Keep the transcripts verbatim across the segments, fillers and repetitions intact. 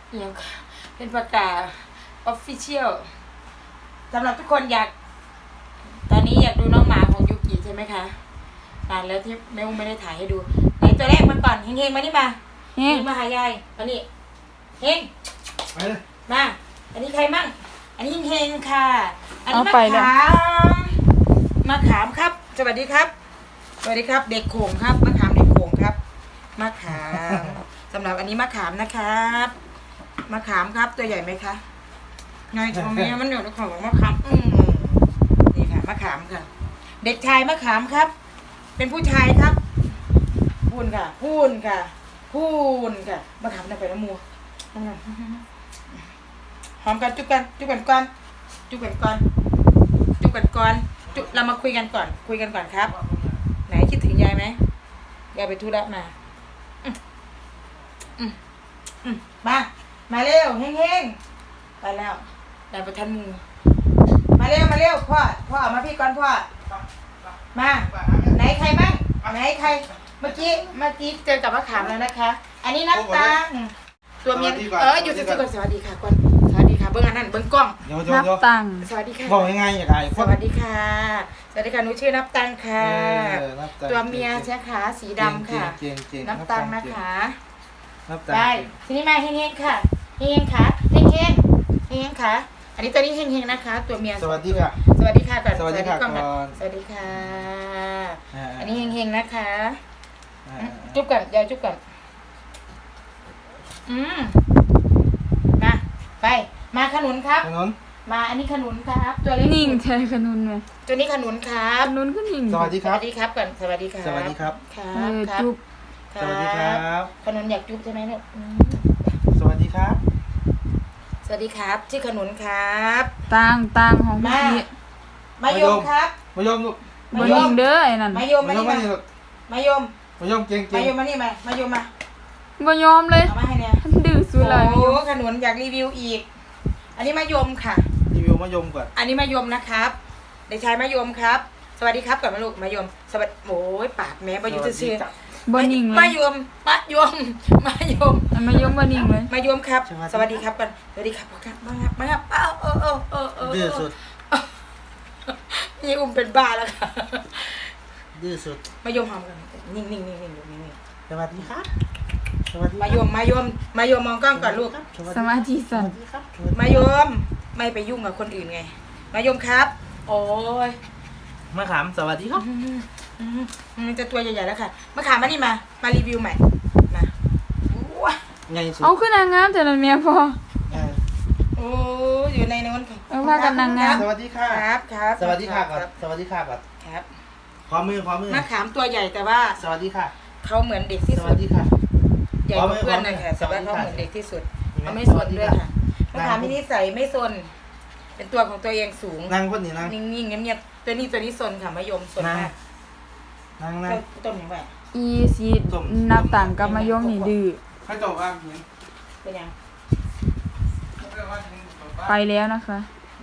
เดี๋ยวเป็นประกาศ official สำหรับทุกคนอยากตอนนี้อยากดูน้องหมาของยูกิใช่ไหมคะนานแล้วที่แม่อุ้มไม่ได้ถ่ายให้ดูไหนตัวแรกมาก่อนเฮงๆมานี่มาเฮงมาหายายมานี่เฮงมาอันนี้ใครมั่งอันนี้เฮงๆค่ะอันนี้มะขามมะขามครับสวัสดีครับสวัสดีครับเด็กโขงครับมะขามเด็กโขงครับมะขามสำหรับอันนี้มะขามนะครับมะขามครับตัวใหญ่ไหมคะไงทำไมมันอยู่ในของมะขามอืมนี่ค่ะมะขามค่ะเด็กชายมะขามครับเป็นผู้ชายครับพูนค่ะพูนค่ะพูนค่ะมะขามนั่งไปน้ำมัวหอมกันจุ๊บกันจุ๊บกันก่อนจุ๊บกันก่อนจุ๊บกันก่อนจุ๊บเรามาคุยกันก่อนคุยกันก่อนครับไหนคิดถึงยายไหมยายไปธุระมาอืมอืมอืมมามาเร็วเฮงๆไปแล้วได้ประทันมูมาเร็วมาเร็วพ่อพ่อมาพี่ก่อนพ่อมาไหนใครบ้างไหนใครเมื่อกี้เมื่อกี้เจอกับมะขามแล้วนะคะ อันนี้นับตังตัวเมียเอออยู่ที่ก่อนสวัสดีค่ะก่อนสวัสดีค่ะเบิ้งอันนั้นเบิ้งกล้องนับตังสวัสดีค่ะบอกยังไงอย่างไรสวัสดีค่ะสวัสดีค่ะหนูชื่อนับตังค่ะตัวเมียใช่ค่ะสีดำค่ะนับตังนะคะได้ทีนี้มาเฮงๆค่ะเฮงๆค่ะเฮงๆเฮงๆค่ะอันนี้ตัวนี้เฮงๆนะคะตัวเมียสวัสดีค่ะสวัสดีค่ะก่อนสวัสดีค่ะก่อนสวัสดีค่ะอันนี้เฮงๆนะคะจุ๊บกันยายจุ๊บกันอืมมาไปมาขนุนครับขนุนมาอันนี้ขนุนครับตัวเล็กนิ่งใช่ขนุนไหมตัวนี้ขนุนครับขนุนก็นิ่งสวัสดีครับสวัสดีครับก่อนสวัสดีครับสวัสดีครับครับครับจุ๊บสวัสดีครับขนุนอยากจุ๊บใช่ไหมเนี่ยสวัสดีครับสวัสดีครับชื่อขนุนครับตังตังของพี่มายมครับมายมลูกมายมเด้อไอ้นั่นมายมมานี่มามายมมายมเก่งเก่งมายมมานี่มามายมมาบ่ยอมเลยเอามาให้เนี่ยดื้อสุดเลยโอ้ขนุนอยากรีวิวอีกอันนี้มายมค่ะรีวิวมายมก่อนอันนี้มายมนะครับเด็กชายมายมครับสวัสดีครับก่อนมาลูกมายมสวัสดีโอ้ยปากแม่บายุจะเชื่อบ่นิ่งเลยมายมมายมมายมมายมบ่นิ่งเลยมายมครับสวัสดีครับก่อนสวัสดีครับครับมาครับมาครับอ้าวเออเออเออเออดื้อสุดนี่อุ้มเป็นบ้าแล้วค่ะดื้อสุดมายมหอมกันนิ่งนิ่งนิ่งนิ่งนิ่งนิ่งสวัสดีครับมายมมายมมายมมองกล้องก่อนลูกสมาธิสั่นมายมไม่ไปยุ่งกับคนอื่นไงมายมครับโอ้ยมะขามสวัสดีครับมันจะตัวใหญ่ๆแล้วค่ะมะขามมานี่มามารีวิวใหม่มาเอาขึ้นนางงามแต่ละเมียพอโอ้อยู่ในนั้นค่ะเอาว่ากันนางงามสวัสดีค่ะครับครับสวัสดีค่ะก่อนสวัสดีค่ะก่อนครับพร้อมมือพร้อมมือมะขามตัวใหญ่แต่ว่าสวัสดีค่ะเขาเหมือนเด็กที่สุดสวัสดีค่ะใหญ่กว่าเพื่อนเลยค่ะแต่ว่าเขาเหมือนเด็กที่สุดเขาไม่ซนด้วยค่ะมะขามมีนิสัยไม่ซนเป็นตัวของตัวเองสูงนั่งคนนี้นั่งนิ่งๆเงียบๆตัวนี้ตัวนี้ซนค่ะมะยมซนมากนั่งนั่งต้มยังไงอีซีนับต่างกับมะยมนี่ดื้อให้จบว่าเป็นยังไปแล้วนะคะ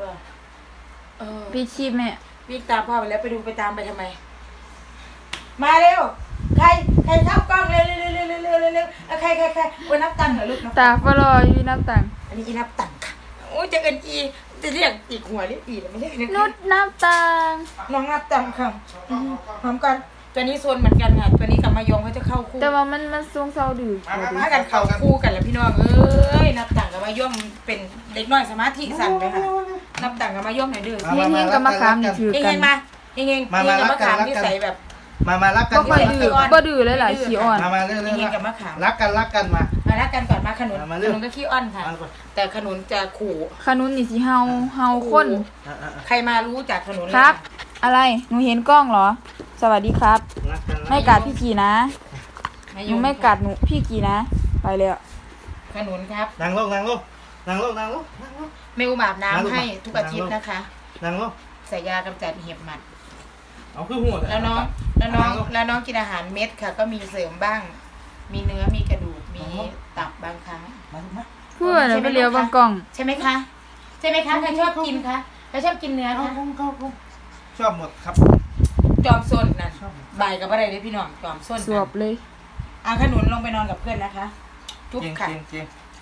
พี่ชีพแม่วิ่งตามพ่อไปแล้วไปดูไปตามไปทำไมมาเร็วใครใครเข้ากล้องเร็วเร็วเร็วเร็วเร็วเร็วเร็วใครใครใครวันนับตังค์เหรอลูกตาฟลอยวีนับตังค์อันนี้อีนับตังค์ค่ะโอ้จะเอินอีจะเรียกอีกหัวเรียกอีไม่เรียกนุชนับตังค์น้องนับตังค์ค่ะพร้อมกันตัวนี้โซนเหมือนกันค่ะตัวนี้กับมายงเขาจะเข้าคู่แต่ว่ามันมันทรงเศร้าดื้อถ้ากันเข้าคู่กันแล้วพี่น้องเอ้ยนับตังค์กับมายงเป็นเด็กน้อยสมาธิสั่นไปค่ะนับตังค์กับมายงไหนดื้อเฮงเฮงกับมะขามนี่ถือกันเฮงมาเฮงเฮงเฮงกับมะขามที่ใส่แบบมามารักกันบ่ดื้อบ่ดื้อเลยหลายขี้อ่อนมามาเรื่องๆกับมะขามรักกันรักกันมามารักกันก่อนมาขนุนขนุนก็ขี้อ้อนค่ะแต่ขนุนจะขู่ขนุนนี่สิเฮาเฮาคนใครมารู้จากขนุนครับอะไรหนูเห็นกล้องเหรอสวัสดีครับไม่กัดพี่กีนะหนูไม่กัดหนูพี่กีนะไปเลยขนุนครับนั่งลงนั่งลงนั่งลงนั่งลงเมลอาบน้ำให้ทุกอาทิตย์นะคะนั่งลงใส่ยากำจัดเห็บหมัดเอาขึ้นหัวแล้วน้องแล้วน้องแล้วน้องกินอาหารเม็ดค่ะก็มีเสริมบ้างมีเนื้อมีกระดูกมีตับบางครั้งเพื่ออะไรไปเลี้ยวบางกล่องใช่ไหมคะใช่ไหมคะใครชอบกินคะใครชอบกินเนื้อคะชอบหมดครับจอมส้นนั่นบ่ายกับอะไรเลยพี่น้องจอมส้นสวบเลยอาขนุนลงไปนอนกับเพื่อนนะคะจุ๊บค่ะ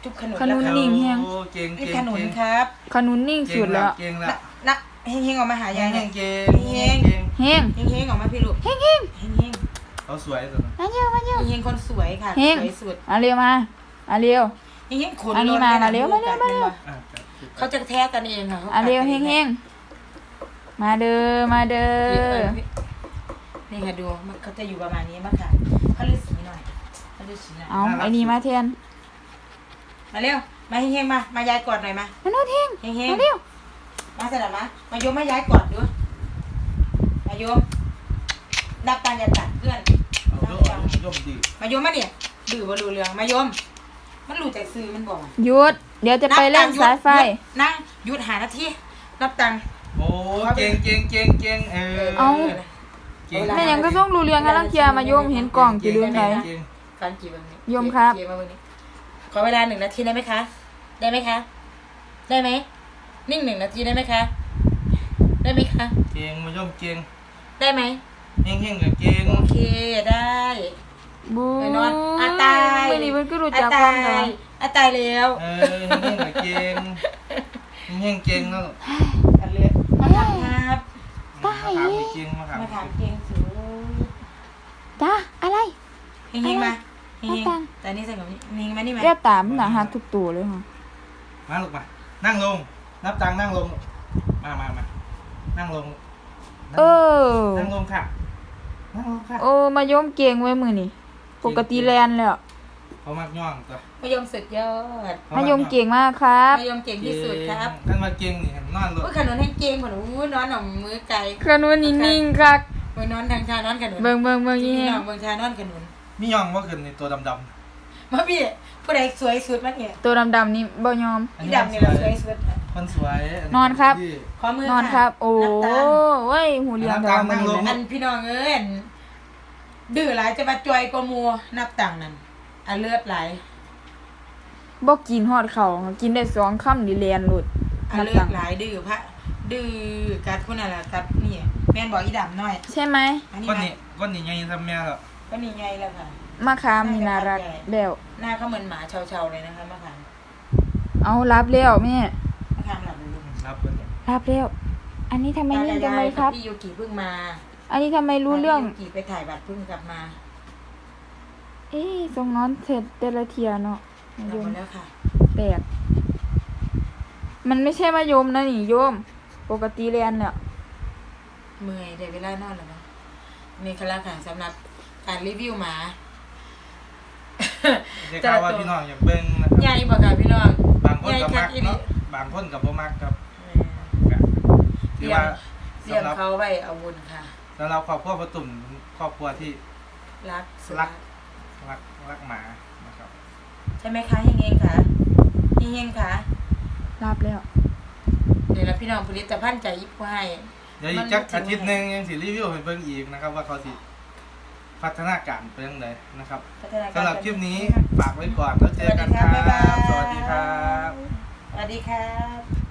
จุ๊บขนุนขนุนแล้วนิ่งแฮงโอ้เก่งนี่เก่งขนุนเก่งครับขนุนนิ่งสุดแล้วเก่งละนะนะเฮงๆออกมาหายายหน่อยเก่งเฮเก่งงเก่งเฮงเฮงๆออกมาพี่ลูกเฮงเฮงเฮงเฮงเขาสวยสุดมาเร็วมาเร็วเฮงคนสวยค่ะเฮงสวยสุดมาเร็วมามาเร็วเฮงเฮงขนอันนี้มามาเร็วมาเร็วมาเร็วอ่ะเขาจะแท้กันเองค่ะอ่ะเร็วเฮงเฮงมาเด้อมาเด้อนี่ค่ะดูมันเขาจะอยู่ประมาณนี้มากค่ะเขาเลือกสีหน่อยเขาเลือกสีหน่อยเอาไอ้นี่มาแทนมาเร็วมาเฮงเฮงมามายายกอดหน่อยมามาโนดเฮงเฮงเฮงมาเร็วมาเสร็จแล้วมามายมมายายกอดดูมายมนับตังอย่าตัดเพื่อนเอาโยมโยมดีมายมมาเนี่ยดื้อบ่รู้เรื่องมายมมันรู้จากซื้อมันบอกหยุดเดี๋ยวจะไปเล่นสายไฟหยุดนั่งหยุดหานาทีนับตังค์โอ้เก่งเก่งเก่งเก่งเออเอาเก่งแม่ยังก็ส่งรู้เรื่องกันลังเทียมาโยมเห็นกล่องกี่เรื่องไหนเก่งฟังกี่วันนี้โยมครับกี่มาวันนี้ขอเวลาหนึ่งนาทีได้ไหมคะ ได้ไหมคะ ได้ไหมนิ่งหนึ่งนาทีได้ไหมคะ ได้ไหมคะเก่งมาโยมเก่งได้ไหมเฮงเฮงกับเก่งโอเคได้บูไปนอนอาตายไม่ดีมันก็รู้อาจักคามตาวกันยอาตายแล้วเออเฮงเฮงกับเก่งเฮงเฮงเก่งแล้วกันเลยมาทำครับมาถามเก่งมาถามมาถามเก่งเก่งสุดจ้าอะไรเฮงๆมาเฮงมาตังๆแต่นี่ใส่แบบนี้เฮงๆมานี่มาเรียกตามหนาหักทุกตัวเลยค่ะมาลูกมานั่งลงนับตังนั่งลงมามามานั่งลงเออนั่งลงค่ะนั่งลงค่ะโอ้มาโยมเก่งไว้มือนี่ปกติแลนแล้วเขามักย่องตัวมายมสุดยอดมาโยมเก่งมากครับมายมเก่งที่สุดครับท่านมาเก่งนี่นอนรถอุ้ยขนุนให้เก่งขนุนอู้นอนหน่อมมือไก่ขนุนนิ่งๆครับมือนอนทางชานอนขนุนเบิ่งเบิ่งเบิ่งที่ยี่นอนเมืองชานอนขนุนมีย่องว่าขึ้นในตัวดำมาพี่ผู้ใดสวยสุดมั้เนี่ยตัวดำๆนี่บ่ยอมๆพี่ดำเนี่ยเราสวยสุดคนสวยนอนครับที่ขอมือนอนครับ โอ้นับตังเว้ยหูเรียงแต่ว่ามันนั่งลงนี่อันะนพี่น้องเอ้ยอันดื้อหลายจะมาจอยกว่ามัวนับตังค์นั่นอันเลือดไหลบ่กินฮอดเขากินได้สองคำนี่แลนหลุดอันเลือดไหลดื้อพระดื้อกัดคนอะไรกัดนี่แม่นบอกอีดำน้อยใช่ไหมอันนี้ก้อนมานี้ก้อนนี้ยังทำแม่หรอก็นี่ไงแล้วค่ะมะขามนี่น่ารักแล้วหน้าเขาเหมือนหมาเชาๆเลยนะคะมะขามเอารับแล้วแม่มะขามหลับเลยลูกรับก้อนนี้รับแล้ว อันนี้ทำไมนิ่งจังเลยครับพี่ยูกิเพิ่งมาอันนี้ทำไมรู้เรื่องพี่ยูกิไปถ่ายบัตรเพิ่งกลับมาเอ๊ะทรงนอนเสร็จแต่ละเทียเนาะกลัมะบยมมาแล้วค่ะแปลกมันไม่ใช่มะยมนะนี่โยม ปกติเรียนเนี่ยเมื่อยได้เวลานอนแล้วเนาะนี่คือละค่ะสำหรับการรีวิวหมาจะกล่าวว่าพี่น้องอยากเบิ่งนะคใหญ่รับบ่ค่ะพี่น้องบางคนใหญ่กับคัมักกอีหลีเนาะบางคนกับบ่มักครับเถืลี้อยงว่าเลี้ยงสำหรับเขาไว้เอาบุญค่ะสำหรับครอบครัวประตุ่มครอบครัวที่รักสุดรัก รักรักหมานะครับใช่ไหมคะเฮงๆค่ะเฮงๆค่ะรับแล้วเดี๋ยวนะพี่น้องผลิตภัณฑ์ใจยิบให้เดี๋ยวอีกจักอาทิตย์หนึงยังสิรีวิวให้เบิ่งอีกนะครับ ว่าเขาสิพัฒนาการเป็นจังไดนะครับพัฒนาการสำหรับคลิปนี้ฝากไว้ก่อนแล้วเจอกันครับสวัสดีครับบ๊ายบายสวัสดีครับสวัสดีครับ